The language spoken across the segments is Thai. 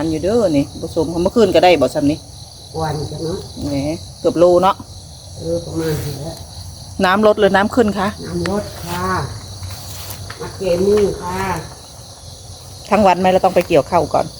านอยู่เด้อนี่ผสมเมื่อคืนก็ได้บ่ซ้ำนี่วันกันเนาะแหมเกือบโลเนาะประมาณนี้น้ำลดหรือน้ำขึ้นคะน้ำลดค่ะมาเกมี่ค่ะทั้งวันไหมเราต้องไปเกี่ยวข้าวก่อน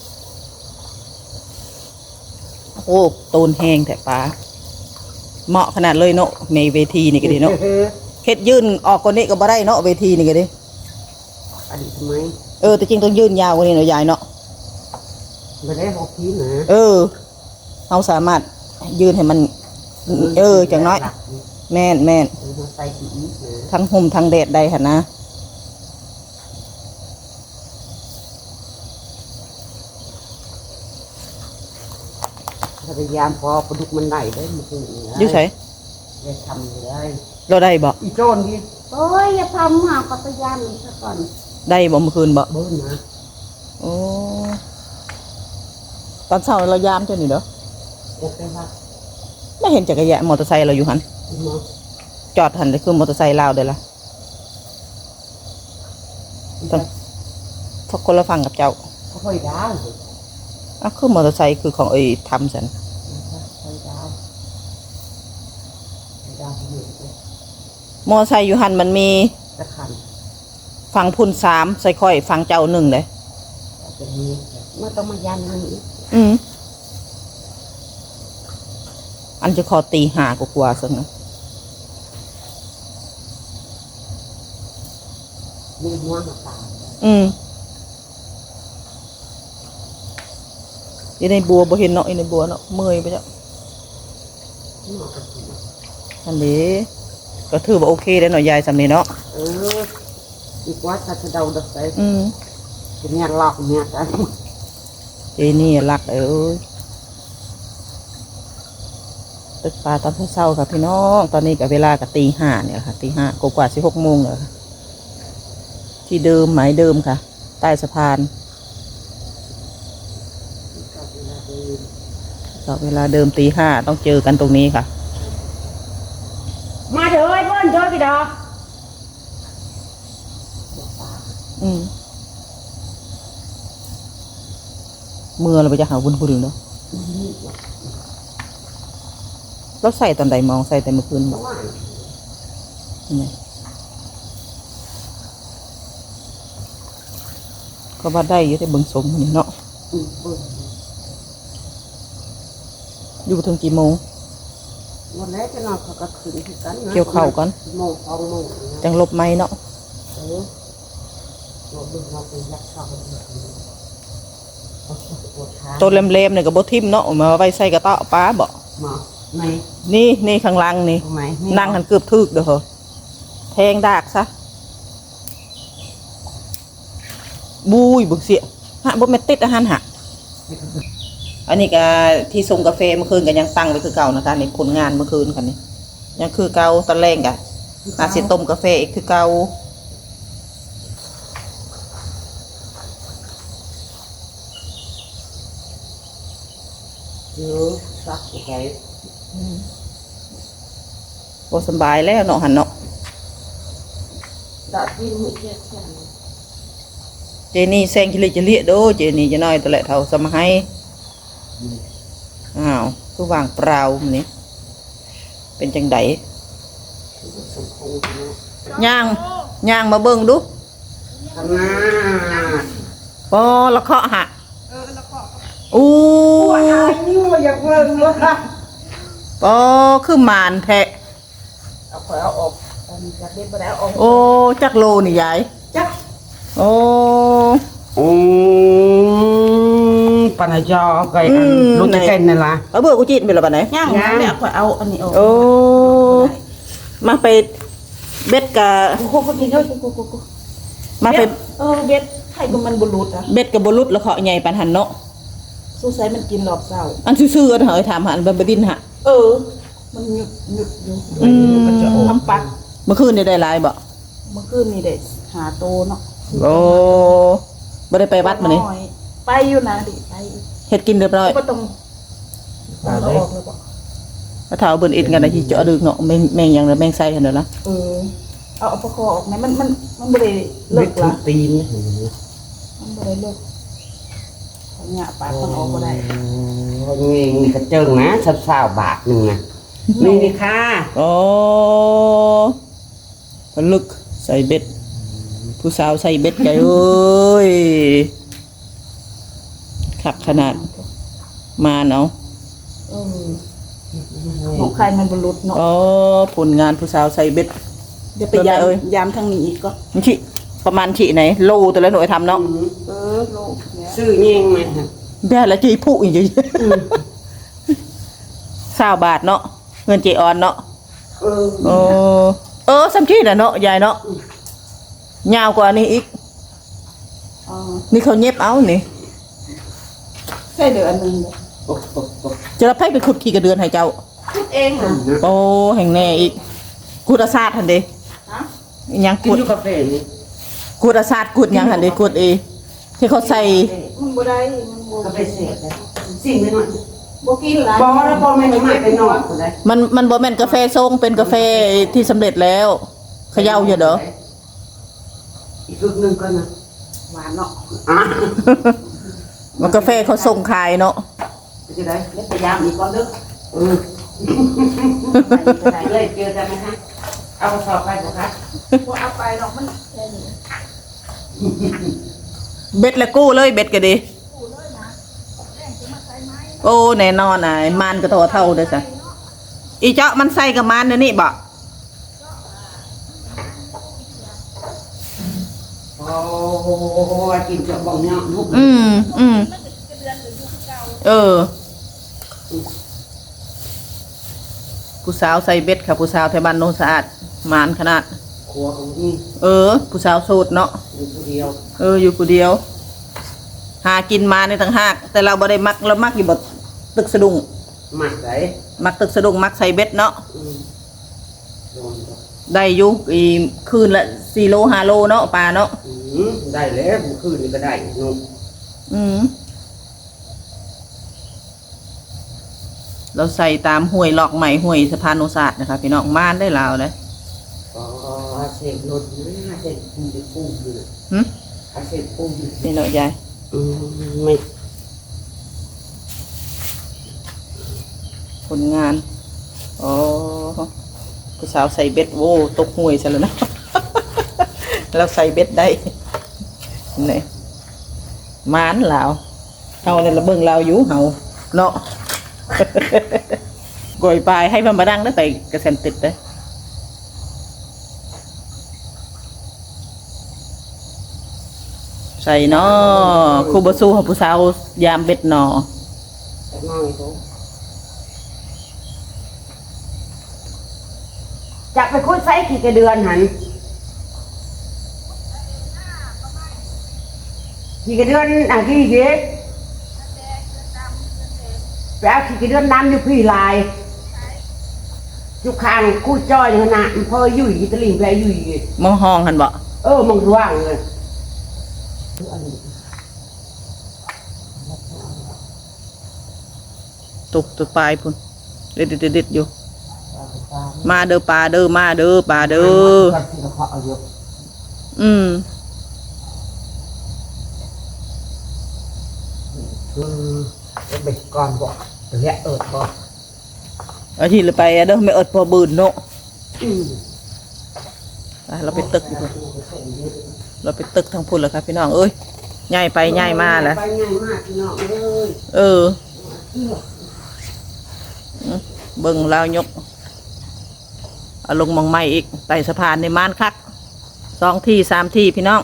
โอ้ตูนแห้งแต่ปลาเหมาะขนาดเลยเนาะในเวทีนี่ก็ดีเนาะเฮ็ดยื่นออกกว่านี้ก็บ่ได้เนาะเวทีนี่ก็ดีอันนี้ทำไมแต่จริงต้องยื่นยาวกว่านี้เนาะยายเนาะไม่ได้หกทีนะเราสามารถยืนให้มันจังน้อยแม่นทั้งห่มทั้งแดดได้ค่ะนะพยายามพอปลาดุกมันได้ได้มันคือยุ่ใช่ได้ทำได้เราได้บ่อีโจนดิโอ้ยอย่าทำหาพยายามอีกสักก่อนได้บ่เมื่อคืนบ่เบิ้ลนะโอ้ตอนเช้าเรายามเจ้านี่เด้อไม่เห็นจักรยานมอเตอร์ไซค์เราอยู่หันจอดหันเลยคือมอเตอร์ไซค์ลาวเด้อล่ะพวกคนละฟังกับเจ้าค่อยดาวคือมอเตอร์ไซค์คือของทำสันมอเตอร์ไซค์อยู่หันมันมีฟังพุ่น3ใส่ค่อยฟังเจ้า1เลยเมื่อต้องมายันนึงอันจะขอตี5กว่าสักนะมีม้วนมาตาอยู่ในบัวบ่เห็นเนาะในบัวเนาะเมื่อยไปจ้ะอันนี้ก็ถือว่าโอเคแล้วเนาะยายสำนี้เนาะอีกว่าจะเดาดักไปเนี่ยหลอกเนี่ยกันเจนี่รักตึกปลาตอนเช้าค่ะพี่น้องตอนนี้กับเวลากับตี5เนี่ยค่ะตี5กว่า16 โมงเลยค่ะที่เดิมหมายเดิมค่ะใต้สะพานก็เวลาเดิมตี5ต้องเจอกันตรงนี้ค่ะมาเถอะเพื่อนเถอะพี่ดอกเมื่อเราไปจะหาวุ้นๆเนาะเราใส่ตอนใดมองใส่แต่เมื่อคืนก็ว่าได้อยู่แต่เบิ่งสมนี่เนาะอยู่ถึงกี่โมงวันแรกจะนอนเขาก็ขึ้นกันเกี่ยวเข่ากันโมง2 โมงจังลบไม้เนาะตัวเล็มๆเนี่ยกับบทิมเนาะมาไว้ใส่กระเตาะป้าบอกนี่ข้างล่างนี่นั่งหันเกือบทึกเด้อเหรอแทงดากซะบุยบุกเสียฮะบ่แม่ติดอาหารหักอันนี้ก็ที่ส่งกาแฟเมื่อคืนกันยังตั้งไว้คือเก่านะคะในผลงานเมื่อคืนกันนี่ยังคือเก่าตอนแรกกันอาจจะต้มกาแฟอีกคือเก่าซักไงพอสบายแล้วเนาะหันเนาะเจนี่แซงกิเลจะเลี้ยโดเจนี่จะน้อยตัวแหละเท่าสมัยคือวางเปล่านี่เป็นจังไดย่างมาเบิ่งดูพอละเคาะหะอู้นี่ว่าอยากเบิ่งว่าคือมานแทะเอาออกจากเด็ดไปแล้วโอ้จักโลนี่ยายจักโอ้ปนจอไก่ลูกจะเก่งนี่ล่ะเบื่อกูจีนไปแล้วปะไหนย่างเนี่ยเอาอันนี้โอ้มาไปเบ็ดกับมาไปเบ็ดไข่กับมันบุรุษเบ็ดกับบุรุษแล้วเขาใหญ่ปันหันเนาะสู้ใส่มันกินหลอกเศร้าอันซื่อๆเหรอถามหันบดินฮะมันหยุดอยู่มันจะทำปักเมื่อคืนได้ลายบ่เมื่อคืนนี่ได้หาโตเนาะโอ้ไม่ได้ไปวัดมาเนี่ยไปอยู่นะดิไปเฮ็ดกินเรียบร้อยก็ต้องเอาออกเลยบ่ถ้าเท้าเบิ่นอิดกันนะที่เจาะดึกเนาะแมงอย่างแมงไส้เห็นเด้อนะเอาประคอออกไหมมันบ่ได้เลิกละตีนมันบ่ได้เลิกเนี่ยปาดคนออกก็ได้นี่กระเจิงนะ20บาทนึงนะนี่ค่ะโอ้ผลึกใส่เบ็ดผู้สาวใส่เบ็ดไก่เอ้ยขักขนาดมาเนาะของใครมันบรรลุเนาะอ๋อผลงานผู้สาวใส่เบ็ดเดี๋ยวไปยามเอ้ยยามทางนี้อีกก็มันชิประมาณชิไหนโลแต่ละหน่วยทำเนาะโลกเนี่ยซื้อเงี้ยงมาได้ละจีผู้อีกอยู่20 บาทเนาะเงินเจออนเนาะซ้ำชีน่ะเนาะยายเนาะยาวกว่านี้อีกอ๋อนี่เขาเย็บเอานี่ใส่เดือนนึงจะรับให้ไปขุดขี่กระเดือนให้เจ้าคิดเองค่ะโอ้แห่งแน่อีกกุดอาซาดทันเดฮะยังกินกุดอยู่กาแฟนี่กุดอาซาดกุดยังทันเดกุดที่เขาใส่มันบ่ได้มันบ่กาแฟเสียบสิ่งไม่น้อยบ่กินหลายบ่แล้วบ่แม่นมาไปนอกก็ได้มันบ่แม่นกาแฟทรงเป็นกาแฟที่สำเร็จแล้วเขย่าอยู่เด้ออีกลูกนึงก็นะหวานเนาะมันกาแฟเขาส่งขายเนาะจะได้เดี๋ยวไปยามอีกก่อนเด้อได้เลยเจอกันนะคะเอาสอบไปบ่คะบ่เอาไปหรอกมันแค่นี้เบ็ดละกู้เลยเบ็ดก็ดีโอ้แน่นอนน่ะมานก็โตเท่าเด้อจ้ะอีเจาะมันใส่กับมานเดี๋ยวนี้บ่โอ้กินจะบ่งเนาะลูกผู้สาวใส่เบ็ดค่ะผู้สาวไทยบ้านโนนสะอาดมานขนาดครัวของนี่ผู้สาวโสดเนาะอยู่ผู้เดียวอยู่ผู้เดียว หากินมาในต่างหากแต่เราบ่ได้มักเรามักอยู่บ่ตึกสะดุ้งหมักได้มักตึกสะดุ้งมักใส่เบ็ดเนาะโดนได้อยู่คืนละ4 โล 5 โลเนาะปลาเนาะได้แล้วบุคืนนี่ก็ได้นุ่มเราใส่ตามห้วยหลอกใหม่ห้วยสะพานโนศาสตร์นะคะพี่น้องม่านได้ลาวเลยอ๋อเสกรถนะเสกปูจะปูอยู่หึเสกปูอยู่นี่เนาะยายไม่ผลงานอ๋อผู้สาวใส่เบ็ดโว้ตกห้วยซะแล้วนะ เราใส่เบ็ดได้นี่ม่านลาวเฮาเนี่ยเราเบิ่งลาวอยู่เฮาเนาะ กอยปลายให้มันมาดังได้ไปกระเซ็นติดได้ใส่เนาะครูบาสู้ของผู้สาวยามเบ็ดเนาะแต่น้อยเขาจะไปคุดไซกี่กระเดือนหันกี่กระเดือนกี่เยอะแปลกี่กระเดือนน้ำอยู่พี่ลายอยู่ข้างคู่จ้อยขนาดพออยู่อีตะลิงแปลอยู่อีมองห้องหันบ่มันว่างเลยตุกตัวปลายพุ่นเด็ดอยู่มาเด้อปลาเด้อมาเด้อปลาเด้ออืมไปก่อนบอกเละบอกอาทิตย์ละไปเด้อไม่อดพอบืนเนาะเราไปตึกอยู่พุ่นเราไปตึกทางพุ่นแล้วครับพี่น้องเอ้ยง่ายไปง่ายมาแหละไปง่ายมากพี่น้องเอ้ยเบิ่งลาวยกเอาลงมองไม้อีกไต่สะพานในม่านคัก2 ที่ 3 ที่พี่น้อง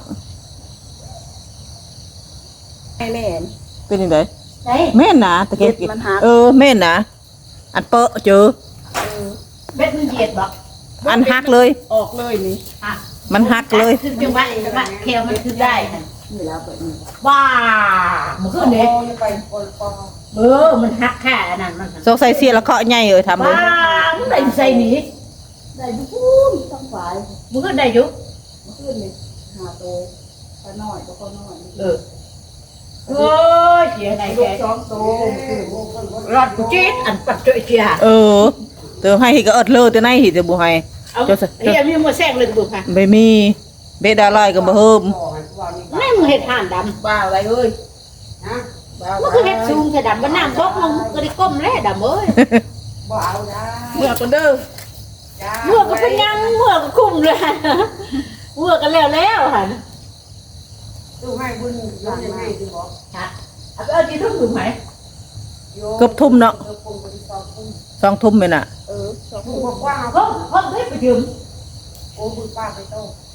ให้แม่นเป็นยังไงได้แม่นนะตะเกียบเบ็ดมันหักแม่นนะอันเปอะเจอเบ็ดมันเหยียดบ่อันหักเลยออกเลยนี่มันหักเลยคือจังหวะแควมันคือได้ค่ะนี่แล้วแบบนี้ว้ามันคือเด็กไปปนปอมันหักแค่นั้นมันสงสัยเสียละเคาะใหญ่ทำเลยว้ามึงได้ใส่หนีได้ดูพูนต้องฝ่ายมึงก็ได้อยู่มันขึ้นนี่หาโตปลาน้อยตัวน้อยโอ้ยเสียไหนลูแกก2โตขึ้นรอดกูจี๊ดอันปัดเจอเจียเติมให้ก็อดเลยแต่ไหนหิจะบุให้เอาเฮียมีมาแซงเลยกูค่ะไม่มีเบดาลอยก็บ่เฮิมแม่มึงเห็ดห่านดบ้าอะไรเอ้ยนะบมันคือเฮ็ดสูงแต่ดำมันน้ำตกลงก็ได้ก้มแล้วดำเอ้ยบ่เอาได้เมื่อกันเด้อจ้าเมื่อก็เป็นยังเมื่อก็คุ้มเลยเมื่อกันแล้วหั่นตู้ให้บุญยกยังไงดูบอกค่ะเอาที่ทุ่งถึงไหมเกือบทุ่มเนาะเกือบปุ่มไปที่สองทุ่ม 2 ทุ่มเลยน่ะทุ่มกว้างๆเพิ่มให้ไปยืมโอ้บุญป้าไปโต้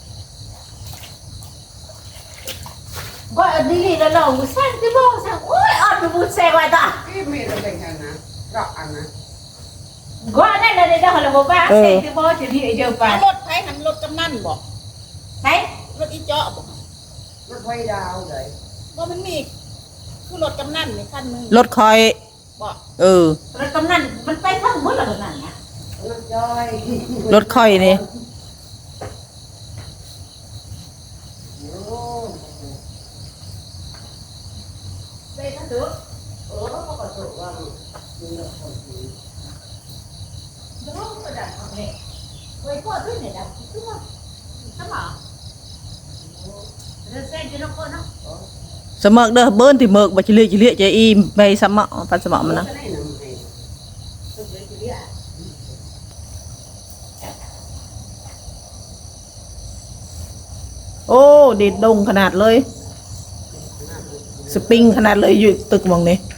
ก็อันนี้แล้วเราแซงที่บ่แซงโอ้ยอ่อนบุญแซงไว้ต่อที่มีอะไรเป็นกันนะรอกอันนะก็นั่นน่ะได้แล้วบ่ป้าแซงที่บ่จะที่เดียวไปรถไผหันรถกำนันบ่ใช่รถอีเจาะบ่รถไฟดาวเลยบ่มันมีคือรถกำนันนี่คันนึงรถคอยบ่รถกำนันมันไปทั้งหมดแล้วนั่นนะรถจ้อยรถคอยนี่โอ้ไปทั้งตัวโอ้ก็กระโดดว่ามีรถคนนี้ดูก็ได้โอเคไว้ก็ด้วยเนี่ยดำคือว่าทำหรอเรื่องแซงที่นกเนาะสมักเด้อเบิ้นที่เมิกบ่จิเลียใจอีไปสมะปันสมะมันนะก็ได้หนึ่งให้โอ้ดิดดงขนาดเลย สปริงขนาดเลยอยู่ตึกหมองนี้